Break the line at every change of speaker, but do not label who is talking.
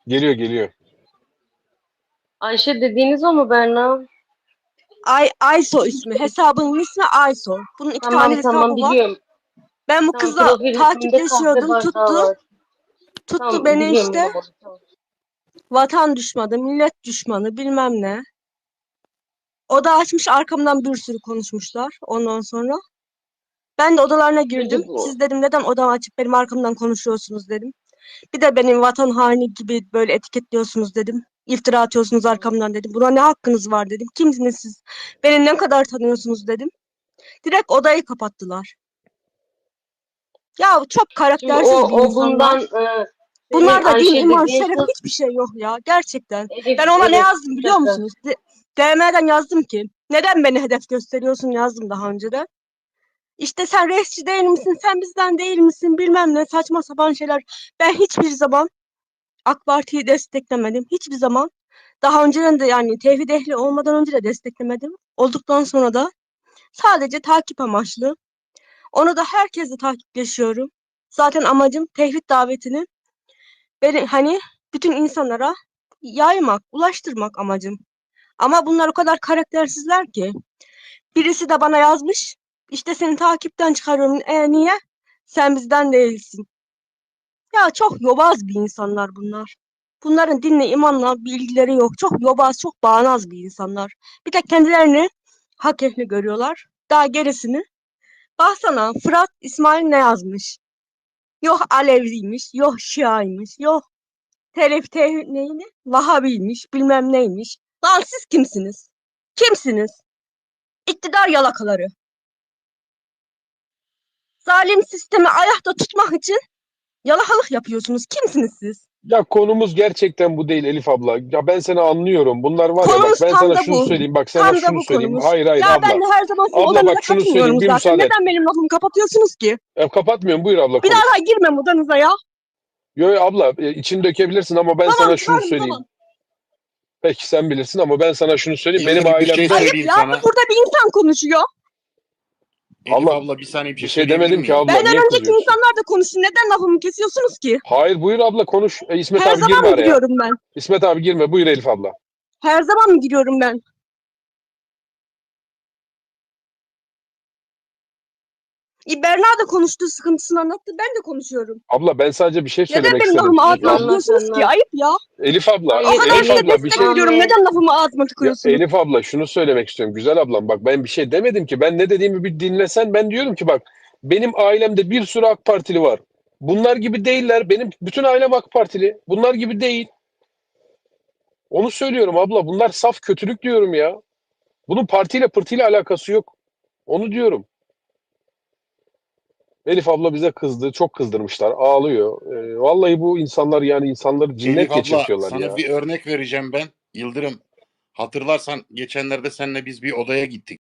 Geliyor geliyor.
Ayşe dediğiniz o mu Berna?
Ayso ismi. Hesabının ismi Ayso. Bunun 2 tane
Tamam
hesabı var.
biliyorum.
Ben bu
Tamam,
kızla
profil isminde kahve
takipleşiyordum.
bardağı
Tuttu.
var.
Tuttu
Tamam
beni
biliyorum
işte.
ben onu. Tamam.
Vatan düşmanı, millet düşmanı bilmem ne. O da açmış arkamdan bir sürü konuşmuşlar ondan sonra. Ben de odalarına girdim.
Peki bu.
Siz dedim neden odamı açıp benim arkamdan konuşuyorsunuz dedim. Bir de benim vatan haini gibi böyle etiketliyorsunuz dedim. İftira atıyorsunuz arkamdan dedim. Buna ne hakkınız var dedim. Kimsiniz siz? Beni ne kadar tanıyorsunuz dedim. Direkt odayı kapattılar. Ya çok
Şimdi o,
karaktersiz bir
o bundan
insanlar.
senin
Bunlarda din,
Ayşe
iman,
dediğin
şeref
kız
hiçbir şey yok ya. Gerçekten. Ben ona ne
Elif
yazdım
bir
biliyor
dakika.
musunuz? DM'den yazdım ki. Neden beni hedef gösteriyorsun yazdım daha önce de. İşte sen reisçi değil misin? Sen bizden değil misin? Bilmem ne saçma sapan şeyler. Ben hiçbir zaman AK Parti'yi desteklemedim. Hiçbir zaman. Daha önceden de yani tevhid ehli olmadan önce de desteklemedim. Olduktan sonra da sadece takip amaçlı. Onu da herkesle takipleşiyorum. Zaten amacım tevhid davetini beni hani bütün insanlara yaymak, ulaştırmak amacım. Ama bunlar o kadar karaktersizler ki. Birisi de bana yazmış. İşte seni takipten çıkarıyorum. Niye? Sen bizden değilsin. Ya çok yobaz bir insanlar bunlar. Bunların dinle, imanla bir ilgileri yok. Çok yobaz, çok bağnaz bir insanlar. Bir de kendilerini hak ehli görüyorlar. Daha gerisini. Baksana Fırat İsmail ne yazmış? Yok Aleviymiş, yok Şiaymış, yok neydi? Vahabiymiş, bilmem neymiş. Lan siz kimsiniz? Kimsiniz? İktidar yalakaları. Zalim sistemi ayakta tutmak için yalakalık yapıyorsunuz. Kimsiniz siz?
Ya konumuz gerçekten bu değil Elif abla. Ya ben seni anlıyorum. Bunlar var ya, bak
Konumuz
ben
tam
sana
da
şunu
bu.
söyleyeyim. Bak sana
Tam da
şunu
bu
söyleyeyim.
konumuz.
Hayır hayır
Ya ben
abla.
de her zaman sizin
Abla
odanıza
bak şunu söyleyeyim.
katılmıyorum
Bir
zaten.
müsaade et.
Neden benim lafımı kapatıyorsunuz ki?
Kapatmıyorum. Buyur abla
Bir daha
konuş.
da girmem odanıza ya.
Yo yo abla, içini dökebilirsin ama ben
Tamam
sana şunu
kırarım
söyleyeyim.
tamam.
Peki sen bilirsin ama ben sana şunu söyleyeyim. Benim
Yıldırım bir şey
ailemde
Ayıp
söyleyeyim
ya.
sana.
Burada bir insan konuşuyor.
Elif
abla
abla bir saniye bir
bir
şey
şey
söyleyebilir
demedim ki
miyim?
abla.
Benden
Niye
önceki
kızıyorsun?
insanlar da konuşsun. Neden lafımı kesiyorsunuz ki?
Hayır buyur abla konuş. İsmet
Her
abi
zaman
girme
mı
araya.
giriyorum ben?
İsmet abi girme. Buyur Elif abla.
Her zaman mı giriyorum ben? Berna da konuştu, sıkıntısını anlattı. Ben de konuşuyorum.
Abla ben sadece bir şey
Neden
söylemek
benim
istedim.
lafımı ağzıma
Anlat
tıkıyorsunuz ki?
anlat.
Ayıp ya.
Elif abla,
O
Hayır
kadar
Elif
size
Elif
abla bir
destek
şey.
veriyorum.
anne.
Neden lafımı ağzıma
Ya
tıkıyorsunuz?
Elif abla şunu söylemek istiyorum. Güzel ablam bak ben bir şey demedim ki. Ben ne dediğimi bir dinlesen ben diyorum ki bak benim ailemde bir sürü AK Partili var. Bunlar gibi değiller. Benim bütün ailem AK Partili. Bunlar gibi değil. Onu söylüyorum abla. Bunlar saf kötülük diyorum ya. Bunun partiyle pırtıyla alakası yok. Onu diyorum. Elif abla bize kızdı. Çok kızdırmışlar. Ağlıyor. Vallahi bu insanlar yani insanları cinnet
Elif abla
geçirtiyorlar
sana
ya.
bir örnek vereceğim ben. Yıldırım hatırlarsan geçenlerde seninle biz bir odaya gittik.